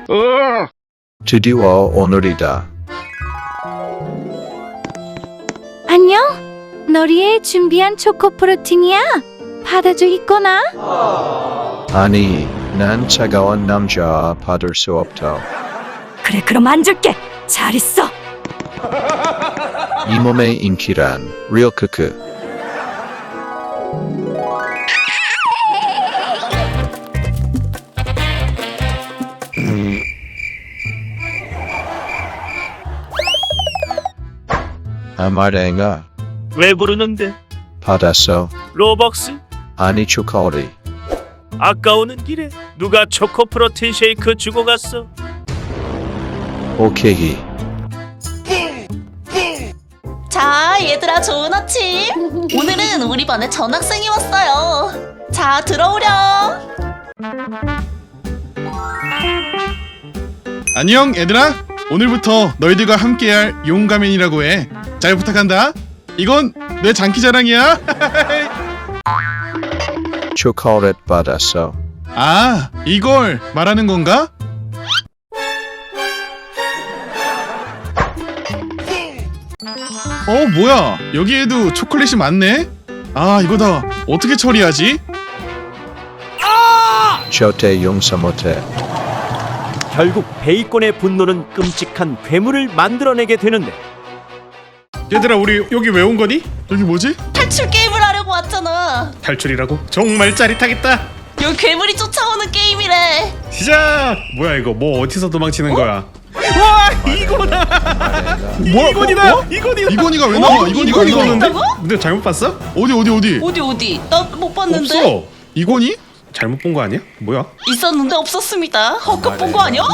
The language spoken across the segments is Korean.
드디어 오늘이다. 안녕? 너리에 준비한 초코 프로틴이야. 받아주겠구나. 아니, 난 차가운 남자 받을 수 없다. 그래, 그럼 안 줄게. 잘 있어. 이 몸의 인기란 리얼 크크. 아마랭아 왜 부르는데? 받았어. 로벅스? 아니 초콜릿. 아까 오는 길에 누가 초코 프로틴 쉐이크 주고 갔어? 오케이. 자, 얘들아, 좋은 아침. 오늘은 우리 반에 전학생이 왔어요. 자, 들어오렴. 안녕 얘들아. 오늘부터 너희들과 함께할 용가맨이라고 해. 잘 부탁한다. 이건 내 장기자랑이야. 초콜릿 받았어. 아, 이걸 말하는 건가? 뭐야, 여기에도 초콜릿이 많네. 아, 이거다. 어떻게 처리하지? 절대 용서 못해. 결국 베이컨의 분노는 끔찍한 괴물을 만들어내게 되는데 얘들아, 우리 여기 왜 온 거니? 여기 뭐지? 탈출 게임을 하려고 왔잖아. 탈출이라고? 정말 짜릿하겠다. 여기 괴물이 쫓아오는 게임이래. 시작! 뭐야 이거? 뭐 어디서 도망치는 거야? 이건이다. 이건이가 왜 나와? 이건이가 왜 나오는데? 있다고? 근데 잘못 봤어? 어디? 어디? 나 못 봤는데. 없어. 이건이? 잘못 본 거 아니야? 뭐야? 있었는데 없었습니다. 헛것 본 거 아니야?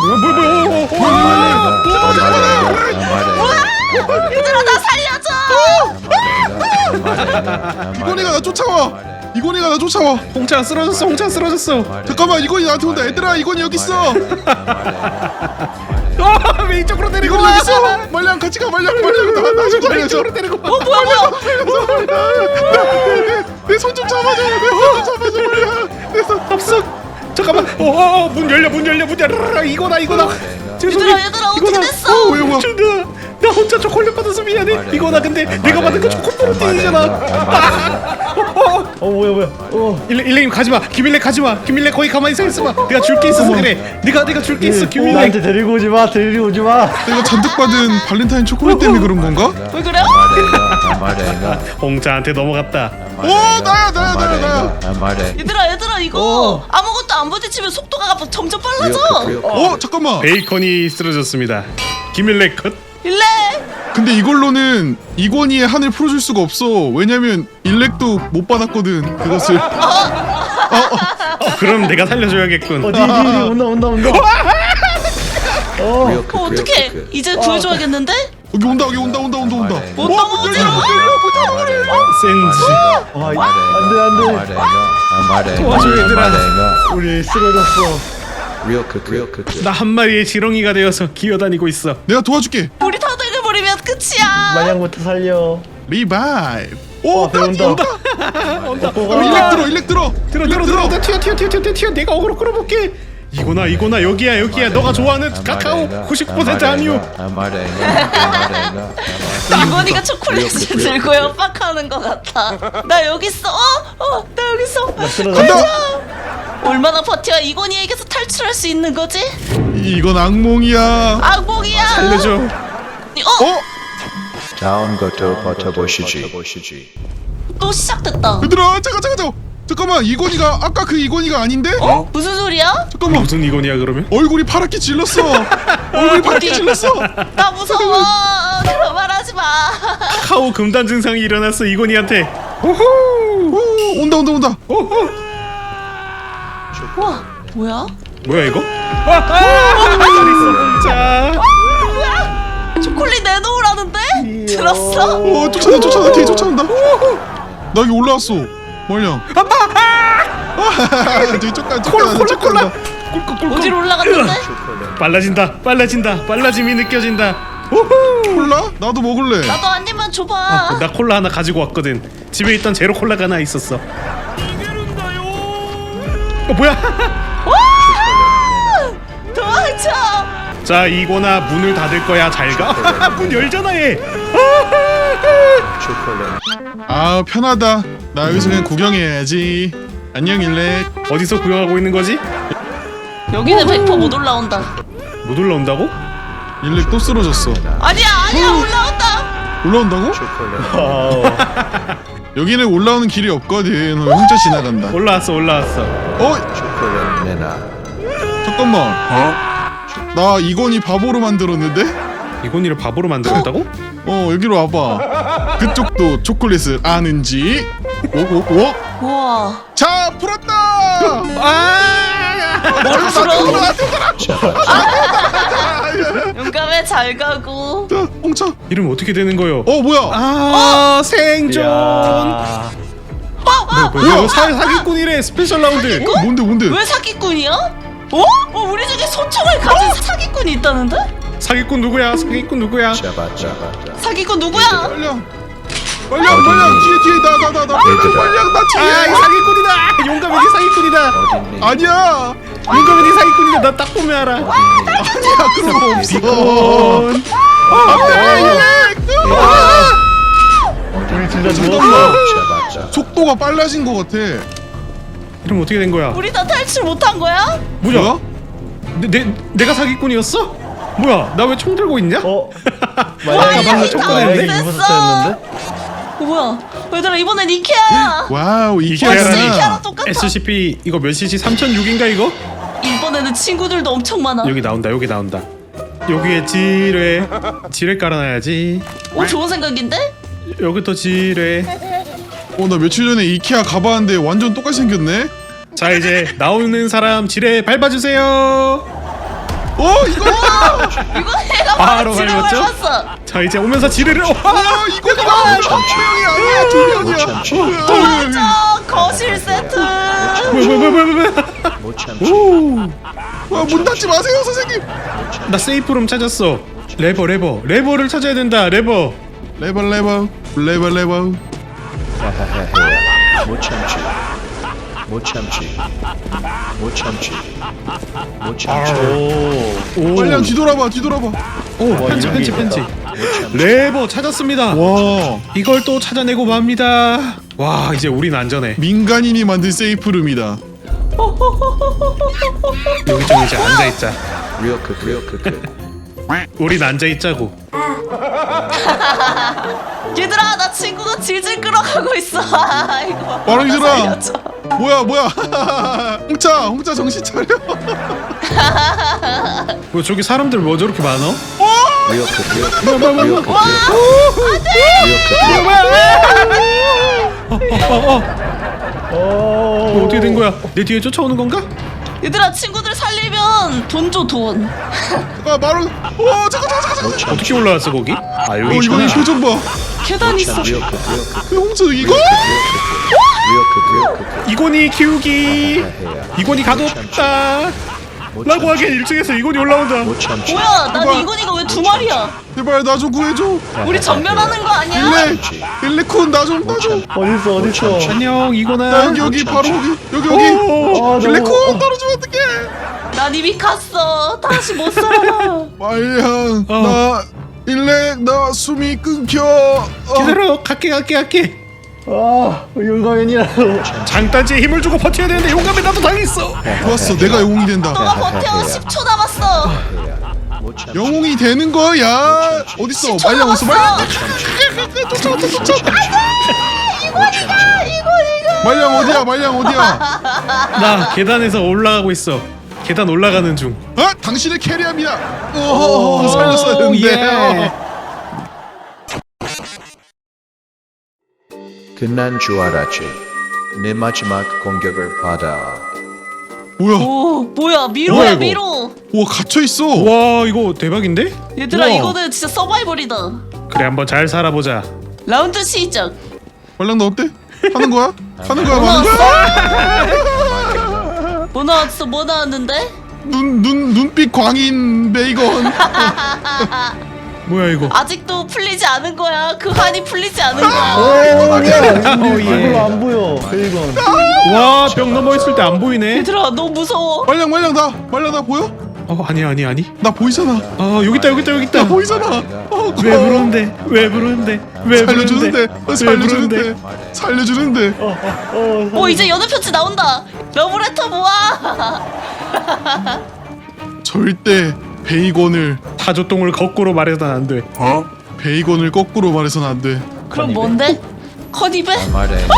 얘들아, 나 살려줘. 이건이가 나 쫓아와. 이건이가 나 쫓아와. 홍차 쓰러졌어. 잠깐만, 이건이 나한테 온다. 얘들아, 이건이 여기 있어. 왜 이쪽으로 때리고? 이건이 여기 있어. 말량 같이 가. 말량 나좀 살려줘. 이쪽으로 때리고. 뭐야? 내 손 좀 잡아줘. 말량. 내 손 없어. 잠깐만. 문 열려. 이거다. 얘들아, 어떻게 됐어? 뭐야? 나 혼자 초콜릿 받아서 미안해. 이거나 근데 내가 받은 거 초콜릿 프로틴이잖아. 뭐야? 일레님 가지마. 김일레 가지마. 김일레 거기 가만히 서 있어봐. 내가 줄 게 있어서 그래. 내가 줄 게 있어. 김일레. 나한테 데리고 오지 마. 내가 잔뜩 받은 발렌타인 초콜릿 때문에 그런 건가? 왜 그래? 홍차한테 넘어갔다. 나야. 얘들아, 이거 아무것도 안 부딪히면 속도가 점점 빨라져. 잠깐만. 베이컨이 쓰러졌습니다. 김일레 컷. 일레. 근데 이걸로는 이건희의 한을 풀어줄 수가 없어. 왜냐면 일렉도 못 받았거든. 그것을. 그럼 내가 살려줘야겠군. 온다. 어떡해? 이제 구해줘야겠는데? 여기 온다. 못 넘어오지. 센지. 안돼. 도와줘, 얘들아. 우리 쓰러졌어. 리얼 크크. 나 한 마리의 지렁이가 되어서 기어다니고 있어. 내가 도와줄게. 우리 다 댕겨버리면 끝이야. 마냥부터 살려. 리바이브. 배운다. 일렉 들어. 튀어. 내가 어그로 끌어볼게. 이거나 여기야. 너가 좋아하는 카카오 90% 함유. 이건이가 초콜릿을 들고 협박하는 것 같아. 나 여기 있어. 나 여기 있어. 간다. 얼마나 버텨야 이건이에게서 탈출할 수 있는 거지? 이건 악몽이야. 악몽이야. 살려줘. 다음 것도 버텨보시지. 또 시작됐다. 얘들아, 잠깐만. 이건이가 아까 그 이건이가 아닌데? 무슨 소리야? 잠깐만. 무슨 이건이야 그러면? 얼굴이 파랗게 질렀어. 나 무서워. 그런 말 하지 마. 카카오 금단 증상이 일어났어 이건이한테. 온다. 와, 뭐야? 뭐야 이거? 자. 초콜릿 내놓으라는데? 들었어? 쫓아온다. 뒤에 쫓아온다. 나 여기 올라왔어. 말량. 콜라. 어디로 올라갔는데? 빨라짐이 느껴진다. 콜라? 나도 먹을래. 나도 한 입만 줘봐. 나 콜라 하나 가지고 왔거든. 집에 있던 제로 콜라가 하나 있었어. 뭐야? 도와줘. 도망쳐. 자 이거나 문을 닫을 거야. 잘가. 문 열잖아 얘. 초콜릿. 아 편하다. 나 여기서 그냥 구경해야지. 안녕 일렉. 어디서 구경하고 있는 거지? 여기는 100% 못 올라온다. 못 올라온다고? 일렉 또 쓰러졌어. 아니야 올라온다. 올라온다고? 초콜릿. 와우. 여기는 올라오는 길이 없거든. 혼자 지나간다. 올라왔어. 초콜릿 내놔. 잠깐만. 나 이건이 바보로 만들었는데? 이건이를 바보로 만들었다고? 여기로 와봐. 그쪽도 초콜릿을 아는지. 오. 우와. 자 풀었다. 뭘 풀어? 잡았자. 용감해 잘 가고. 자 홍차. 이름 어떻게 되는 거요? 뭐야? 생존. 야. 뭐야? 사기꾼이래. 스페셜 라운드. 뭔데? 왜 사기꾼이야? 우리 중에 소총을 가진 사기꾼이 있다는데? 사기꾼 누구야? 잡았자. 사기꾼 누구야? 빨량 뒤에 나 얘들아. 빨량 나 아, 이 뒤에. 사기꾼이다. 용감이 사기꾼이다. 어딨니? 아니야. 용감이 사기꾼이다. 나 딱 보면 알아. 아니야 그런 거 없어. 비콘. 우리 진짜 잠깐만. 누웠어. 잡았자. 속도가 빨라진 것 같아. 이름 어떻게 된 거야? 우리 다 탈출 못한 거야? 뭐야? 내가 사기꾼이었어? 뭐야? 나 왜 총 들고 있냐? 만약에 방금 쫓겨냈는데? 입었었는데? 뭐야? 얘들아 이번엔 이케아야. 와우 벌써 이케아라니. 이케아랑 똑같아. SCP 이거 몇 cc? 3006인가 이거? 이번에는 친구들도 엄청 많아. 여기 나온다. 여기에 지뢰 깔아놔야지. 좋은 생각인데? 여기부터 지뢰. 나 며칠 전에 이케아 가봤는데 완전 똑같이 생겼네. 자 이제 나오는 사람 지뢰 밟아주세요. 이거 이거 내가 바로 지뢰 밟았죠? 밟았어. 자 이제 오면서 지뢰를 이거다. 조명이 아니야. 조명이야. 도와줘 거실 세트. 뭐야? 못 참지. 문 닫지 마세요 선생님. 나 세이프룸 찾았어. 레버를 찾아야 된다. 레버. 레버. 하하하하. 못 참지. 오. 빨리 뒤돌아봐. 오 편지. 못 참지. 레버 찾았습니다. 와 이걸 또 찾아내고 맙니다. 와 이제 우린 안전해. 민간인이 만든 세이프룸이다. 여기 좀 이제 앉아있자. Real cook. 우린 앉아있자고. 얘들아 나 친구가 질질 끌어가고 있어. 이거 빠랑이들아. 살려줘. 뭐야? 홍차 정신 차려. 뭐 저기 사람들 뭐 저렇게 많어? Real cook. 뭐야? 뭐 어떻게 된 거야? 내 뒤에 쫓아오는 건가? 얘들아 친구들 살리면 돈 줘 돈. 바로. 잠깐. 못 참지. 어떻게 올라왔어 거기? 아 여기 이거 있구나. 표정 봐. 계단 있어. Real cook. 홍차 이거? Real cook. 이건이 키우기. 이건이 가뒀다. 라고 하기엔 1층에서 이건이 올라온다. 못 참지. 뭐야 난 이건이가 왜 두 마리야? 제발 나 좀 구해줘. 우리 전멸하는 거 아니야? 일레콘 나 좀. 어딨어? 안녕 이건아. 나 여기 바로 여기. 아, 일레콘 떨어지면 어떡해? 난 이미 갔어. 다시 못 살아. 말량 나 일렉 나 숨이 끊겨. 기다려. 갈게. 용감인이라고. 장단지에 힘을 주고 버텨야 되는데 용감해 나도 당했어. 좋았어 내가 영웅이 된다. 너가 버텨. 10초 남았어. 못 참지. 영웅이 되는 거야. 어딨어? 말량 어딨어? 말량. 쫓아. 말량 어디야? 나 계단에서 올라가고 있어. 계단 올라가는 중. 당신을 캐리합니다. 살렸어야 되는데. 예. 끝난 줄 알았지. 내 마지막 공격을 받아. 뭐야? 뭐야 미로야 뭐야, 이거? 미로. 와 갇혀 있어. 와 이거 대박인데? 얘들아 우와. 이거는 진짜 서바이벌이다. 그래 한번 잘 살아보자. 라운드 시작. 말량 너 어때? 하는 거야? 하는 뭐 거야? 나왔어? 뭐 나왔어? 뭐 나왔는데? 눈빛 광인 베이건. 뭐야 이거? 아직도 풀리지 않은 거야. 그 한이 풀리지 않은 오, 거야. 야. 이걸로 안 보여. 베이건. 와 벽 넘어 있을 때 안 보이네. 얘들아 너무 무서워. 말량 나 보여? 아니. 나 보이잖아. 여기 있다. 나 보이잖아. 왜 부르는데? 왜 부르는데? 살려주는데. 이제 연애 편지 나온다. 러브레터 모아. 절대 베이건을 타조똥을 거꾸로 말해서는 안 돼. 베이건을 거꾸로 말해서는 안 돼. 그럼 뭔데? 커니베? 아마레가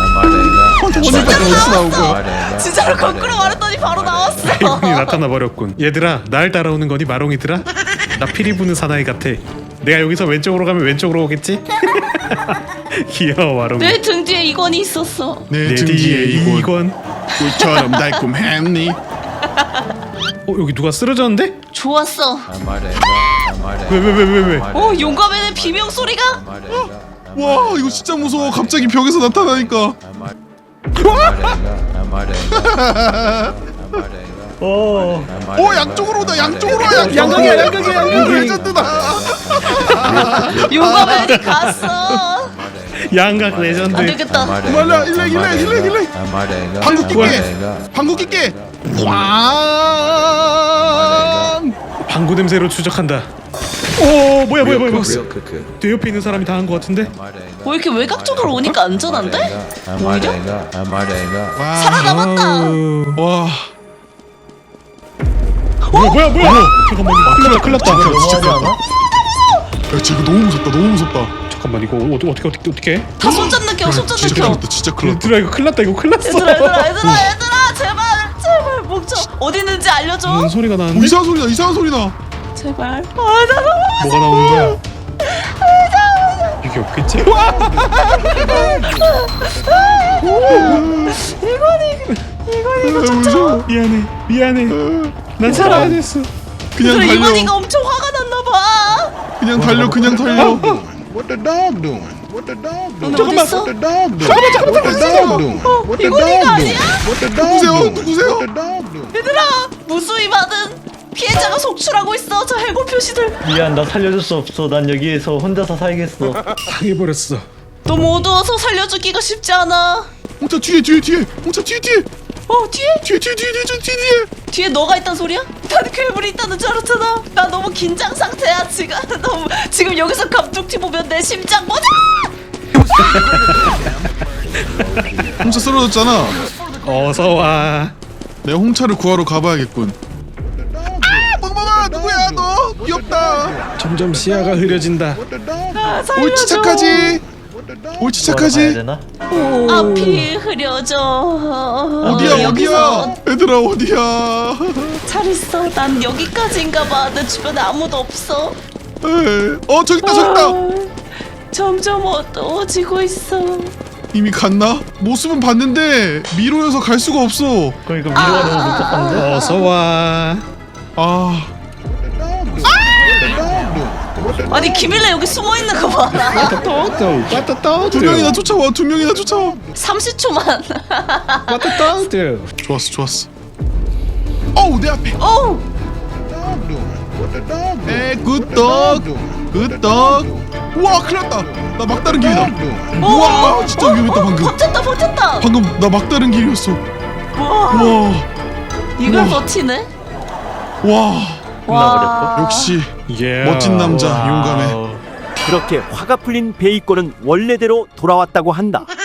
어디서 나온 거야? 진짜로 거꾸로 말했더니 바로 나왔어. 베이컨이 나타나 버렸군. 얘들아, 날 따라오는 거니 마롱이들아? 나 피리 부는 사나이 같아. 내가 여기서 왼쪽으로 가면 왼쪽으로 오겠지? 귀여워 마롱이. 내 등 뒤에 이건이 있었어. 내 등 뒤에 이건 꿀처럼 달콤했니? 여기 누가 쓰러졌는데? 좋았어. 왜? 용감해의 비명 소리가. 와 이거 진짜 무서워. 갑자기 벽에서 나타나니까. 양쪽으로 오다. 양쪽으로 와. 양각이야. 레전드다. 용감해이 갔어. 양각 안 레전드. 되겠다. 말라 일렉. 방구 낄게. 왕. 방구 냄새로 추적한다. 뭐야. 내 옆에 있는 사람이 다 한 거 같은데? 왜 이렇게 외곽쪽으로 오니까 안전한데? 오히려? 와. 살아남았다. 와. 뭐야? 잠깐만, 이거 큰일 났다. 너무하지 않아? 야 지금 너무 무섭다. 잠깐만, 이거 어떻게 해? 다 손잡 느껴. 진짜 큰일 났다. 얘들아, 이거 큰일 났다. 얘들아 제발 목적 어디 있는지 알려줘. 무슨 소리가 나는데? 이상한 소리 나. 제발. 나 뭐가 나오는 거야? 이게 없겠지? 무서워. 미안해. 난 살아야 됐어. 그냥 달려. 이건이가 엄청 화가 났나 봐. 그냥 달려. What the dog doing? What the dog doing? 너네 어디 있어? What the dog doing? What the dog doing? What the 이건이가 dog 아니야? doing? What the dog doing? 누구세요? What the dog doing? 얘들아 무수히 받은 피해자가 속출하고 있어. 저 해골 표시들. 미안, 나 살려줄 수 없어. 난 여기에서 혼자서 살겠어. 당해버렸어. 너무 어두워서 살려주기가 쉽지 않아. 홍차 뒤에. 홍차 뒤에. 뒤에. 뒤에 너가 있단 소리야? 난 괴물이 있다는 줄 알았잖아. 나 너무 긴장 상태야 지금. 지금 여기서 감독티 보면 내 심장 뭐냐? 홍차 쓰러졌잖아. 어서와. 내가 홍차를 구하러 가봐야겠군. 멍멍아 누구야 너? 귀엽다. 점점 시야가 흐려진다. What the dog doing? 아, 살려줘. 옳지 착하지. What the dog 옳지 가야 착하지. 되나? 앞이 흐려져. 어디야? 여기서 얘들아 어디야? 잘 있어. 난 여기까지인가 봐. 내 주변에 아무도 없어. 저기 있다. 점점 어두워지고 있어. 이미 갔나? 모습은 봤는데 미로여서 갈 수가 없어. 그러니까 미로가 너무 복잡한데? 어서와. 아 아니 김일래 여기 숨어 있는 거 봐라. 두 명이나 쫓아와. 30초만. 좋았어. 어우 내 앞에. 오. doing? What the dog doing? 굿떡. 우와 큰일났다. 나 막다른 길이다. doing? 우와 진짜 위험했다 방금. 버텼다. 방금 나 막다른 길이었어. 와. 와. 이걸 우와. 버티네. 와 끝나버렸어? 역시 예. 멋진 남자 용감해. 와우. 그렇게 화가 풀린 베이컨은 원래대로 돌아왔다고 한다.